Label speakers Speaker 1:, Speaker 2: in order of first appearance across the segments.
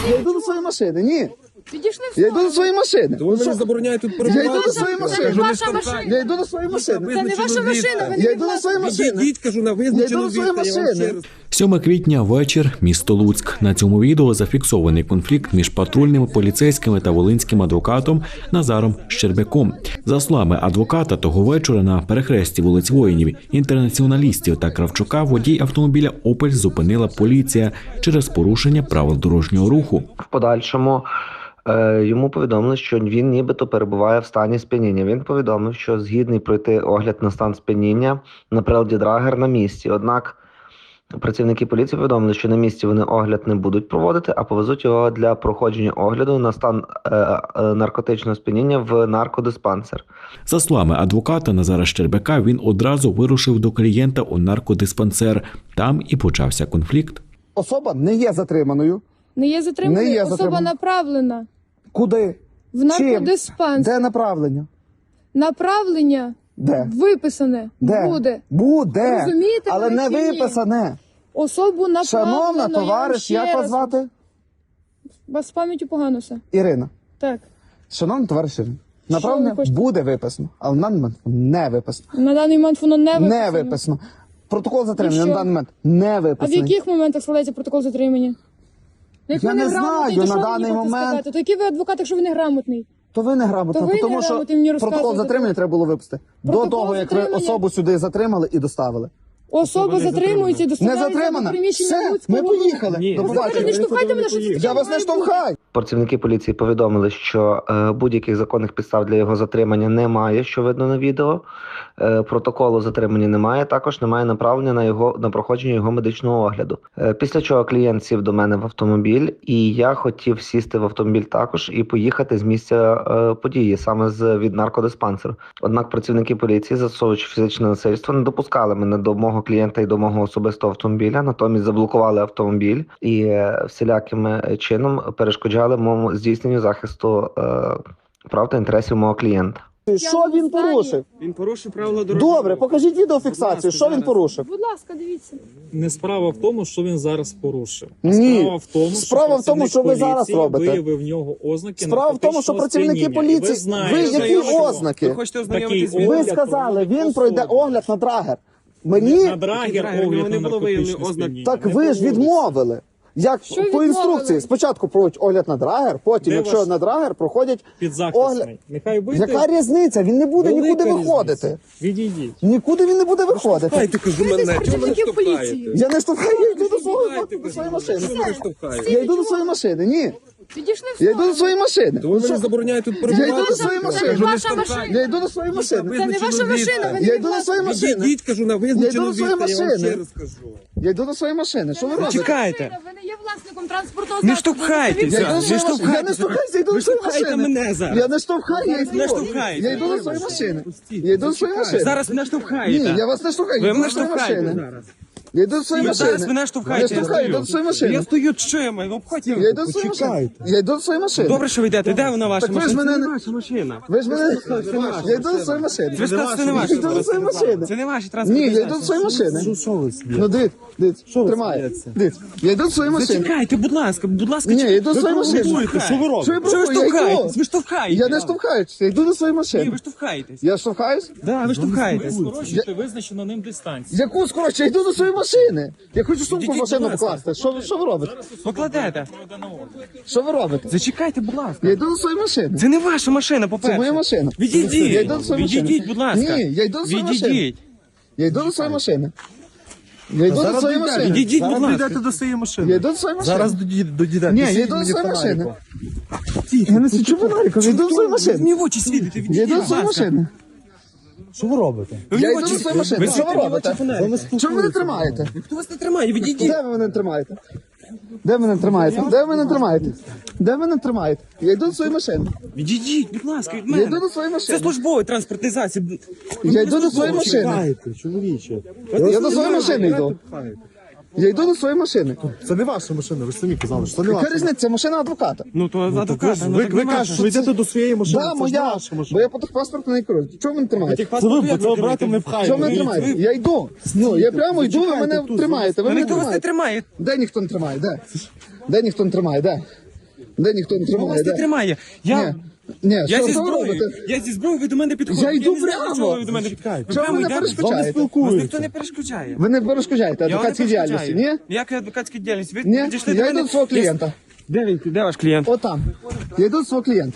Speaker 1: Я йду до своєї машини, ні.
Speaker 2: Підійшли в
Speaker 1: Я йду до своєї машини.
Speaker 3: То ви мені забороняєте тут
Speaker 1: Я
Speaker 3: перебувати.
Speaker 1: йду до своєї
Speaker 2: Це не
Speaker 1: машини.
Speaker 2: ваша машина.
Speaker 1: Я йду до своєї машини.
Speaker 2: Це не ваша машина, ви
Speaker 1: Я
Speaker 2: не
Speaker 1: йду до своєї машини.
Speaker 3: Відійдіть, кажу, на визначену
Speaker 1: Я йду до своєї
Speaker 3: відстань, я вам
Speaker 1: машини.
Speaker 3: ще раз.
Speaker 4: 7 квітня, вечір, місто Луцьк. На цьому відео зафіксований конфлікт між патрульними поліцейськими та волинським адвокатом Назаром Щербяком. За словами адвоката, того вечора на перехресті вулиць Воїнів, Інтернаціоналістів та Кравчука водій автомобіля «Опель» зупинила поліція через порушення правил дорожнього руху.
Speaker 5: В подальшому йому повідомили, що він нібито перебуває в стані сп'яніння. Він повідомив, що згідний пройти огляд на стан сп'яніння на приладі Драгер на місці. Однак працівники поліції повідомили, що на місці вони огляд не будуть проводити, а повезуть його для проходження огляду на стан наркотичного сп'яніння в наркодиспансер.
Speaker 4: За словами адвоката Назара Щербяка, він одразу вирушив до клієнта у наркодиспансер. Там і почався конфлікт.
Speaker 1: Особа не є затриманою.
Speaker 2: Не є затриманою,
Speaker 1: Не є
Speaker 2: особа
Speaker 1: затримана.
Speaker 2: направлена
Speaker 1: Куди?
Speaker 2: в наркодиспансер.
Speaker 1: Де направлення?
Speaker 2: Направлення
Speaker 1: Де?
Speaker 2: виписане
Speaker 1: Де?
Speaker 2: буде.
Speaker 1: Буде.
Speaker 2: Розумієте,
Speaker 1: Але
Speaker 2: ви
Speaker 1: не
Speaker 2: чи ні?
Speaker 1: виписане.
Speaker 2: Особу направлено.
Speaker 1: Шановна
Speaker 2: я вам
Speaker 1: товариш,
Speaker 2: ще
Speaker 1: як вас
Speaker 2: раз-
Speaker 1: звати?
Speaker 2: Вас з пам'яттю погано все.
Speaker 1: Ірина.
Speaker 2: Так.
Speaker 1: Шановна товариш Ірина, направлення
Speaker 2: ви хочете?
Speaker 1: буде виписано, але на даний момент не виписано.
Speaker 2: На даний момент воно не виписано.
Speaker 1: Не виписано. Протокол затримання
Speaker 2: І
Speaker 1: на
Speaker 2: що?
Speaker 1: даний момент не
Speaker 2: А в
Speaker 1: виписаний.
Speaker 2: яких моментах складається протокол затримання? Як
Speaker 1: Я
Speaker 2: ви
Speaker 1: не
Speaker 2: неграмотний,
Speaker 1: знаю,
Speaker 2: то
Speaker 1: на
Speaker 2: що ви
Speaker 1: даний
Speaker 2: мені хочете
Speaker 1: момент-
Speaker 2: сказати? То який ви адвокат, якщо ви неграмотний?
Speaker 1: То ви неграмотно,
Speaker 2: То ви
Speaker 1: тому що
Speaker 2: неграмотні мені
Speaker 1: протокол
Speaker 2: розказуєте.
Speaker 1: затримання треба було виписати. До
Speaker 2: Протокол
Speaker 1: того, як ви
Speaker 2: затримання?
Speaker 1: особу сюди затримали і доставили.
Speaker 2: Особа затримується і
Speaker 1: Не
Speaker 2: доставляється до
Speaker 1: затримана?
Speaker 2: приміщення
Speaker 1: Все,
Speaker 2: Луцького.
Speaker 1: ми поїхали.
Speaker 3: Ні.
Speaker 1: До
Speaker 2: Ви не
Speaker 1: побачення.
Speaker 2: штовхайте мене, що це таке
Speaker 1: Я вас не
Speaker 2: має бути?
Speaker 1: штовхаю.
Speaker 5: Працівники поліції повідомили, що будь-яких законних підстав для його затримання немає, що видно на відео. Протоколу затримання немає, також немає направлення на проходження його медичного огляду. Після чого клієнт сів до мене в автомобіль, і я хотів сісти в автомобіль також і поїхати з місця події, саме від наркодиспансеру. Однак працівники поліції, застосовуючи фізичне насильство, не допускали мене до мого клієнта і до мого особистого автомобіля, натомість заблокували автомобіль і всіляким чином перешкоджали моєму здійсненню захисту прав та інтересів мого клієнта.
Speaker 1: Що він порушив?
Speaker 3: Він порушив правила дорожнього
Speaker 1: Добре,
Speaker 3: руху.
Speaker 1: покажіть відеофіксацію. Що він порушив?
Speaker 2: Будь ласка, дивіться.
Speaker 6: Не справа в тому, що він зараз порушив. А
Speaker 1: Ні.
Speaker 6: справа в тому,
Speaker 1: Справа в тому, що ви зараз
Speaker 6: поліції
Speaker 1: робите.
Speaker 6: виявив в нього ознаки
Speaker 1: Справа в тому, що
Speaker 6: наркотичного
Speaker 1: працівники
Speaker 6: сп'яніння. І
Speaker 1: поліції-
Speaker 6: Ви знаєте,
Speaker 1: ви які
Speaker 6: що
Speaker 1: ознаки?
Speaker 3: Ви хочете ознайомитись з
Speaker 6: Такий
Speaker 1: Ви
Speaker 6: огляд
Speaker 1: сказали, він
Speaker 6: проводить
Speaker 1: пройде
Speaker 6: особу.
Speaker 1: огляд на Драгер. Мені
Speaker 6: на драгер
Speaker 3: Драгер,
Speaker 6: огляд
Speaker 3: не
Speaker 6: на
Speaker 3: було виявлено
Speaker 6: наркотичне
Speaker 3: ознак.
Speaker 6: сп'яніння.
Speaker 1: так
Speaker 6: Не
Speaker 1: ви ж
Speaker 6: проводиться.
Speaker 1: відмовили. Як
Speaker 2: Що
Speaker 1: по
Speaker 2: відмовили?
Speaker 1: інструкції, спочатку проводять огляд на Драгер, потім,
Speaker 6: Де
Speaker 1: якщо
Speaker 6: ваш
Speaker 1: на Драгер, проходять огляд.
Speaker 6: Підзахисний. Нехай вийде.
Speaker 1: Яка різниця? Він не буде
Speaker 6: Велика
Speaker 1: нікуди
Speaker 6: різниця.
Speaker 1: виходити.
Speaker 6: Відійдіть.
Speaker 1: Нікуди він не буде виходити.
Speaker 3: Хайте, кажу, мене. Чому мене
Speaker 2: працівників поліції.
Speaker 3: штовхаєте?
Speaker 1: Я не штовхаю, я йду до
Speaker 3: Штовхаєте,
Speaker 1: до своєї
Speaker 3: кажу.
Speaker 1: машини.
Speaker 3: Чому мене штовхаєте?
Speaker 1: Я йду до своєї машини, ні.
Speaker 2: Підійшли в
Speaker 1: Я йду до
Speaker 2: сторону.
Speaker 1: своєї машини.
Speaker 3: То ви мені забороняєте тут перебувати.
Speaker 1: Я йду до своєї
Speaker 2: Це
Speaker 1: машини.
Speaker 2: не ваша машина.
Speaker 1: Я йду до своєї машини.
Speaker 2: Це не ваша машина, ви не
Speaker 1: Я йду до своєї машини.
Speaker 3: Відійдіть, кажу, на
Speaker 1: Я йду
Speaker 3: визначену
Speaker 1: до своєї
Speaker 3: відстань, я вам
Speaker 1: машини.
Speaker 3: ще раз кажу.
Speaker 1: Я йду до своєї машини. Що ви робите?
Speaker 3: Чекайте.
Speaker 2: Ви не є власником транспортного
Speaker 3: Не
Speaker 2: засобу.
Speaker 3: штовхайтеся.
Speaker 1: Я йду до
Speaker 3: Не
Speaker 1: своєї машини. Я не
Speaker 3: штовхайтеся.
Speaker 1: штовхаюся, я йду
Speaker 3: Ви
Speaker 1: до своєї
Speaker 3: штовхаєте
Speaker 1: машини.
Speaker 3: мене зараз.
Speaker 1: Я не штовхаю, я йду.
Speaker 3: Не штовхаєте.
Speaker 1: Я йду до своєї машини. Я йду до своєї машини.
Speaker 3: Зараз мене штовхаєте.
Speaker 1: Ні, я вас не штовхаю.
Speaker 3: Ви
Speaker 1: Я йду
Speaker 3: мене
Speaker 1: до своєї
Speaker 3: штовхаєте
Speaker 1: машини.
Speaker 3: зараз.
Speaker 1: Я йду до своєї
Speaker 3: Ви
Speaker 1: машини.
Speaker 3: зараз мене штовхаєте.
Speaker 1: Я штовхаю, йду до своєї машини.
Speaker 3: Я стою чими, ну обходьте.
Speaker 1: Я йду до своєї машини. Я йду до своєї машини.
Speaker 3: Добре, що ви йдете. Де вона ваша
Speaker 1: Так ви ж
Speaker 3: машина?
Speaker 1: мене
Speaker 3: Це
Speaker 1: не-
Speaker 3: не ваша машина.
Speaker 1: Ви ж мене... Я йду до своєї машини.
Speaker 3: Ви сказали, це не ваша
Speaker 1: Я йду до своєї машини.
Speaker 3: Це не ваші
Speaker 1: Ні,
Speaker 3: транспортні
Speaker 1: я йду до своєї машини. Ну, дивіться, тримай. Дивіться. Я йду до своєї машини.
Speaker 3: Зачекайте, будь ласка,
Speaker 1: Ні, я йду до своєї машини.
Speaker 3: Що ви робите?
Speaker 1: Що ви
Speaker 3: Що ви
Speaker 1: провокуєте? Я
Speaker 3: штовхаєтесь?
Speaker 1: йду.
Speaker 3: Ви штовхаєтесь.
Speaker 1: Я не штовхаюсь, я йду до своєї
Speaker 3: Ні,
Speaker 1: машини.
Speaker 3: ви штовхаєтесь.
Speaker 1: Я штовхаюсь?
Speaker 3: Да, ви штовхаєтесь.
Speaker 6: Скорочуйте визначену ним дистанцію.
Speaker 1: Яку скороче? Я йду до своєї машини. Я хочу сумку в
Speaker 3: Ідіть,
Speaker 1: машину
Speaker 3: будь ласка.
Speaker 1: покласти. Що ви робите?
Speaker 3: Покладете.
Speaker 1: Що ви робите?
Speaker 3: Зачекайте, будь ласка.
Speaker 1: Я йду до своєї машини.
Speaker 3: Це не ваша машина, по-перше.
Speaker 1: Це моя машина. Я
Speaker 3: Відійдіть.
Speaker 1: йду до своєї машини.
Speaker 3: Відійдіть, будь ласка.
Speaker 1: Ні, я йду до своєї машини.
Speaker 3: Відійдіть.
Speaker 1: Я йду до своєї машини. Я йду до своєї машини.
Speaker 3: Відійдіть, будь ласка.
Speaker 7: до своєї машини.
Speaker 1: Я йду до своєї машини.
Speaker 7: Зараз дійдете.
Speaker 1: Ні, я йду до своєї машини. Я не свічу фонариком, я йду до своєї
Speaker 3: Ви
Speaker 1: машини.
Speaker 3: мені в очі світите,
Speaker 1: Я
Speaker 3: відійдіть,
Speaker 1: йду до
Speaker 3: будь
Speaker 1: своєї
Speaker 3: ласка.
Speaker 1: машини.
Speaker 7: Що ви робите?
Speaker 3: Ви мені
Speaker 1: Я
Speaker 3: в
Speaker 1: йду
Speaker 3: очі
Speaker 1: до своєї машини.
Speaker 3: Ви
Speaker 1: Що ви
Speaker 3: світите мені в
Speaker 1: робите?
Speaker 3: очі фонариком.
Speaker 1: Чому ви не тримаєте?
Speaker 3: Хто вас не тримає? Відійдіть.
Speaker 1: Де ви мене тримаєте? Де ви мене тримаєте? Де ви мене тримаєте? Де ви мене тримаєте? Я йду до своєї машини.
Speaker 3: Відійдіть, будь ласка, від
Speaker 1: Я
Speaker 3: мене.
Speaker 1: йду до своєї
Speaker 3: Це
Speaker 1: машини.
Speaker 3: службовий транспортний засіб.
Speaker 1: Я йду до своєї машини.
Speaker 7: Чекайте, чоловіче.
Speaker 1: Я до своєї машини йду. Я йду до своєї машини.
Speaker 7: Це не ваша машина, ви ж самі казали, що це не
Speaker 1: Яка
Speaker 7: ваша.
Speaker 1: різниця? Це машина адвоката.
Speaker 3: Ну то адвоката, ну
Speaker 7: Ви
Speaker 3: так не
Speaker 7: кажете,
Speaker 3: ваша.
Speaker 7: що ви йдете до своєї машини,
Speaker 1: Да,
Speaker 7: це ж не
Speaker 1: моя.
Speaker 7: ваша
Speaker 1: Бо
Speaker 7: машина.
Speaker 1: я по техпаспорту не керую. Чого ви не тримаєте?
Speaker 7: Це ви цього брата не
Speaker 1: Чого
Speaker 7: пхаєте.
Speaker 1: ви не тримаєте? Я йду. Ну, я прямо йду, ви мене тримаєте. Ви
Speaker 3: Та
Speaker 1: мене
Speaker 3: ніхто вас не
Speaker 1: тримаєте.
Speaker 3: тримає.
Speaker 1: Де ніхто не тримає? Де? Де ніхто не тримає? Де? Де ніхто не
Speaker 3: Ну,
Speaker 1: тримає?
Speaker 3: вас не
Speaker 1: Де?
Speaker 3: тримає. Я
Speaker 1: Ні,
Speaker 3: зі
Speaker 1: що ви
Speaker 3: зброєю.
Speaker 1: робите?
Speaker 3: Я зі зброєю, ви до мене підходите.
Speaker 1: Я йду
Speaker 3: не знаю,
Speaker 1: прямо.
Speaker 3: чого ви до мене підходите.
Speaker 1: Чого ви мене
Speaker 3: йдете?
Speaker 1: перешкоджаєте?
Speaker 3: Вас ніхто не перешкоджає.
Speaker 1: Ви не перешкоджаєте
Speaker 3: Я вам не
Speaker 1: адвокатській діяльності, ні?
Speaker 3: Ніяка адвокатська діяльність. Ви
Speaker 1: Ні,
Speaker 3: підійшли до
Speaker 1: я
Speaker 3: мене.
Speaker 1: йду до свого клієнта.
Speaker 3: Де ваш клієнт?
Speaker 1: Отам. Я йду до свого клієнта.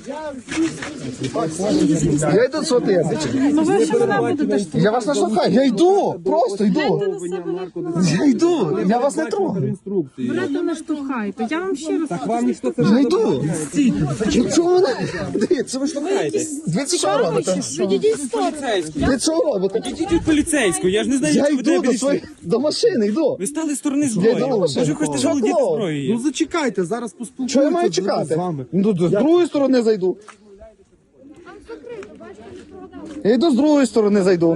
Speaker 1: Я йду до свого клієнта.
Speaker 2: Ну ви ще мене будете штовхати.
Speaker 1: Я вас не штовхаю, я йду, просто йду. Я йду, я вас не трогаю.
Speaker 2: Берете, не штовхайте. Я вам ще раз
Speaker 1: Я йду. Чого ви не... Дивіться, ви
Speaker 3: Штовхаєтесь.
Speaker 1: Дивіться, що ви робите?
Speaker 2: відійдіть в сторону.
Speaker 3: Поліцейську.
Speaker 1: Ви що ви робите?
Speaker 3: Ідіть від поліцейського, я ж не знаю,
Speaker 1: Я
Speaker 3: що ви до
Speaker 1: йду
Speaker 3: мене
Speaker 1: до машини, йду.
Speaker 3: Ви стали з сторони
Speaker 1: Я
Speaker 3: зброї.
Speaker 1: йду до машини.
Speaker 3: Може, хочете
Speaker 1: Що
Speaker 3: володіти
Speaker 1: клоун?
Speaker 3: зброєю?
Speaker 7: Ну зачекайте, зараз поспілкуємося.
Speaker 1: Що я маю
Speaker 7: з
Speaker 1: чекати?
Speaker 7: вами.
Speaker 1: Ну, з другої сторони зайду. Я йду з другої сторони зайду.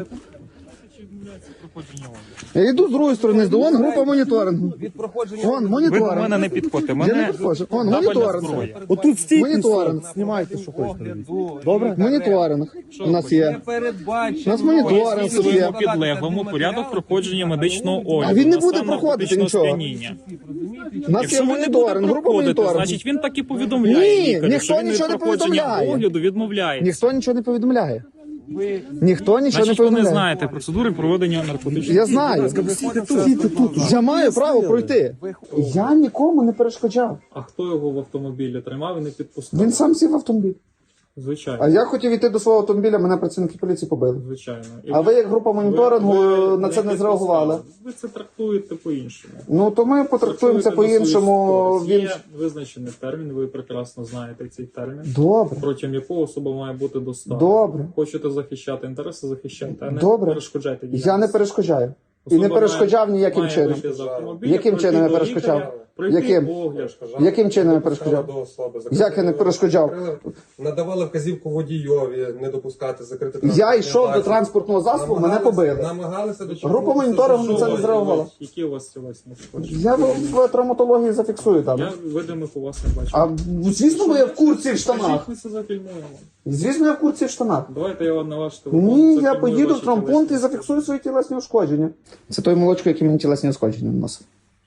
Speaker 1: Я йду з другої сторони зайду. Вон група моніторингу. Вон
Speaker 6: Ви до
Speaker 1: моніторинг.
Speaker 6: мене не підходьте.
Speaker 1: Я не
Speaker 6: Мене
Speaker 1: підходжу. Вон
Speaker 6: табельна
Speaker 1: моніторинг.
Speaker 6: зброя.
Speaker 7: Отут стійте,
Speaker 1: Моніторинг.
Speaker 7: знімайте, що хочете. Добре?
Speaker 1: Моніторинг у нас є. У нас моніторинг тут є.
Speaker 6: Своєму підлеглому порядок проходження медичного огляду.
Speaker 1: А він не
Speaker 6: на
Speaker 1: буде
Speaker 6: стан
Speaker 1: проходити
Speaker 6: наркотичного
Speaker 1: нічого.
Speaker 6: сп'яніння.
Speaker 1: У нас є
Speaker 6: Якщо ви не будете
Speaker 1: моніторинг, група
Speaker 6: проходити,
Speaker 1: моніторингу.
Speaker 6: значить він так і повідомляє
Speaker 1: Ні,
Speaker 6: лікарю,
Speaker 1: ніхто
Speaker 6: що він від
Speaker 1: нічого не
Speaker 6: проходження
Speaker 1: повідомляє.
Speaker 6: огляду відмовляється.
Speaker 1: Ніхто нічого не повідомляє. Ніхто нічого не
Speaker 6: Значить, ви не
Speaker 1: повідомляє.
Speaker 6: знаєте процедури проведення наркотичного.
Speaker 1: Я знаю. Я маю право пройти. Я нікому не перешкоджав.
Speaker 6: А хто його в автомобілі тримав і не підпускав?
Speaker 1: Він сам сів в автомобіль.
Speaker 6: Звичайно.
Speaker 1: А я хотів йти до свого автомобіля, мене працівники поліції побили.
Speaker 6: Звичайно. І
Speaker 1: А ви як група моніторингу
Speaker 6: ви
Speaker 1: на це не зреагували?
Speaker 6: Ви це трактуєте по-іншому.
Speaker 1: Ну то ми потрактуємо це по-іншому.
Speaker 6: Він...
Speaker 1: Він
Speaker 6: Є визначений термін, ви прекрасно знаєте цей термін,
Speaker 1: добре.
Speaker 6: протягом якого особа має бути доставлена.
Speaker 1: Добре.
Speaker 6: Хочете захищати інтереси, захищайте, а не
Speaker 1: Добре.
Speaker 6: перешкоджайте діяльності.
Speaker 1: Я не перешкоджаю. І не
Speaker 6: Особа
Speaker 1: перешкоджав
Speaker 6: має
Speaker 1: ніяким чином.
Speaker 6: вийти з автомобіля,
Speaker 1: Яким
Speaker 6: пройти
Speaker 1: чином я
Speaker 6: до
Speaker 1: перешкоджав?
Speaker 6: лікаря, пройти
Speaker 1: Яким?
Speaker 6: огляд.
Speaker 1: Яким чином я перешкоджав? Як я не перешкоджав?
Speaker 8: Надавали вказівку водійові не допускати закрити
Speaker 1: Я йшов до транспортного засобу, мене побили.
Speaker 8: Намагалися до
Speaker 1: Група моніторингу на це не зреагувала.
Speaker 6: Які у вас тілесні ушкодження?
Speaker 1: Я в травматології зафіксую там.
Speaker 6: Я видимих у вас не бачу.
Speaker 1: А звісно, бо я в курці в штанах.
Speaker 6: Скажіть, ми це зафільмуємо.
Speaker 1: Звісно, я в курці в штанах.
Speaker 6: Давайте я вам на ваш телефон.
Speaker 1: Ні, я
Speaker 6: зафільмую
Speaker 1: поїду в
Speaker 6: ваші
Speaker 1: травмпункт і
Speaker 6: тілесні
Speaker 1: зафіксую свої тілесні ушкодження. Це той молочко, який мені тілесні ушкодження наносив.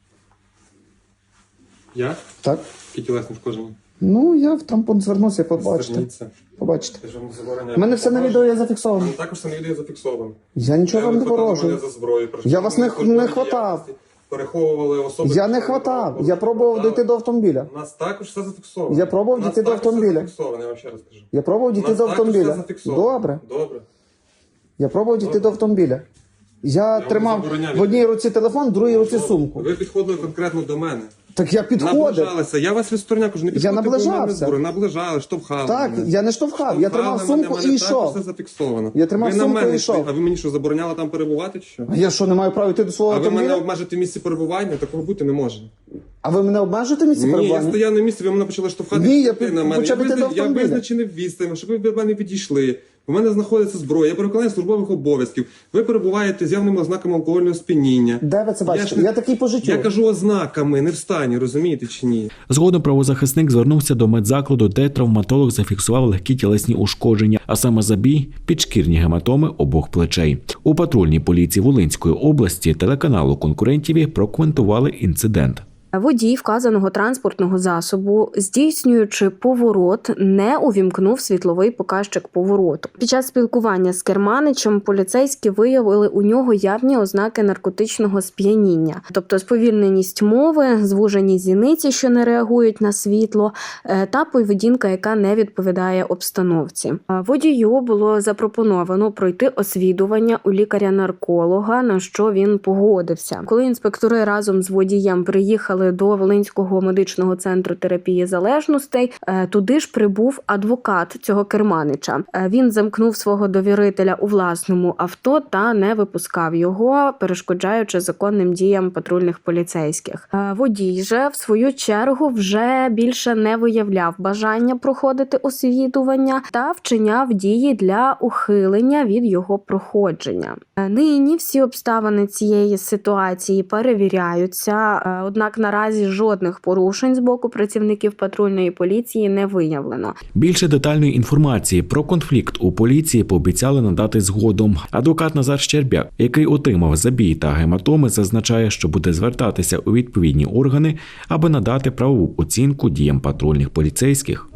Speaker 8: Я?
Speaker 1: Так?
Speaker 8: Які тілесні ушкодження?
Speaker 1: Ну, я в травмпункт звернувся, побачите.
Speaker 8: Зверніться.
Speaker 1: Побачите.
Speaker 8: Я ж вам забороняю.
Speaker 1: У мене все на відео є зафіксовано.
Speaker 8: Також це на відео зафіксовано.
Speaker 1: Я нічого вам не порожую.
Speaker 8: За зброю,
Speaker 1: Я вас не хватав.
Speaker 8: Переховували особи.
Speaker 1: Я не хватав. Я пробував дійти до автомобіля.
Speaker 8: У нас також все зафіксовано.
Speaker 1: Я пробував
Speaker 8: У нас
Speaker 1: дійти до
Speaker 8: також все
Speaker 1: автомобіля.
Speaker 8: зафіксовано, я вам ще раз кажу.
Speaker 1: Я пробував
Speaker 8: У
Speaker 1: дійти
Speaker 8: нас
Speaker 1: до
Speaker 8: також все
Speaker 1: автомобіля.
Speaker 8: зафіксовано.
Speaker 1: Добре.
Speaker 8: Добре.
Speaker 1: Я пробував дійти до автомобіля. Я
Speaker 8: вам
Speaker 1: тримав
Speaker 8: забороняю.
Speaker 1: в одній руці телефон, в другій руці сумку.
Speaker 8: Ви підходили конкретно до мене.
Speaker 1: Так я підходив.
Speaker 8: Наближалися. Я вас відстороняв, кажу, не підходьте до мене
Speaker 1: наближався.
Speaker 8: зброю. Наближали, штовхали.
Speaker 1: Так,
Speaker 8: мене.
Speaker 1: я не штовхав, я тримав
Speaker 8: Штовхали
Speaker 1: сумку
Speaker 8: мене,
Speaker 1: і
Speaker 8: мене також
Speaker 1: йшов.
Speaker 8: все зафіксовано.
Speaker 1: Я тримав
Speaker 8: Ви на
Speaker 1: сумку
Speaker 8: мене
Speaker 1: і йшов.
Speaker 8: йшли. А ви мені що, забороняли там перебувати чи що?
Speaker 1: А я що, не маю права йти до свого
Speaker 8: А ви мене
Speaker 1: автомобіля?
Speaker 8: обмежите в місці перебування? Такого бути не може.
Speaker 1: А ви мене обмежуєте в місці
Speaker 8: Ні, я
Speaker 1: перебування?
Speaker 8: стояв на місці, ви мене почали штовхати.
Speaker 1: Ні, я
Speaker 8: йти на мене.
Speaker 1: почав іти до
Speaker 8: Я
Speaker 1: автомобіля.
Speaker 8: визначений відстань, щоб ви до мене підійшли. У мене знаходиться зброя, я при виконанні службових обов'язків. Ви перебуваєте з явними ознаками алкогольного сп'яніння.
Speaker 1: Де ви це бачите?
Speaker 8: ж не-
Speaker 1: Я такий по життю.
Speaker 8: Я кажу ознаками, не в стані, розумієте чи ні?
Speaker 4: Згодом правозахисник звернувся до медзакладу, де травматолог зафіксував легкі тілесні ушкодження, а саме забій, підшкірні гематоми обох плечей. У патрульній поліції Волинської області телеканалу «Конкурентів» прокоментували інцидент.
Speaker 9: Водій вказаного транспортного засобу, здійснюючи поворот, не увімкнув світловий показчик повороту. Під час спілкування з керманичем поліцейські виявили у нього явні ознаки наркотичного сп'яніння, тобто сповільненість мови, звужені зіниці, що не реагують на світло, та поведінка, яка не відповідає обстановці. Водію було запропоновано пройти освідування у лікаря-нарколога, на що він погодився. Коли інспектори разом з водієм приїхали до Волинського медичного центру терапії залежностей, туди ж прибув адвокат цього керманича. Він замкнув свого довірителя у власному авто та не випускав його, перешкоджаючи законним діям патрульних поліцейських. Водій же, в свою чергу, вже більше не виявляв бажання проходити освідування та вчиняв дії для ухилення від його проходження. Нині всі обставини цієї ситуації перевіряються, однак наразі наразі жодних порушень з боку працівників патрульної поліції не виявлено.
Speaker 4: Більше детальної інформації про конфлікт у поліції пообіцяли надати згодом. Адвокат Назар Щербяк, який отримав забій та гематоми, зазначає, що буде звертатися у відповідні органи, аби надати правову оцінку діям патрульних поліцейських.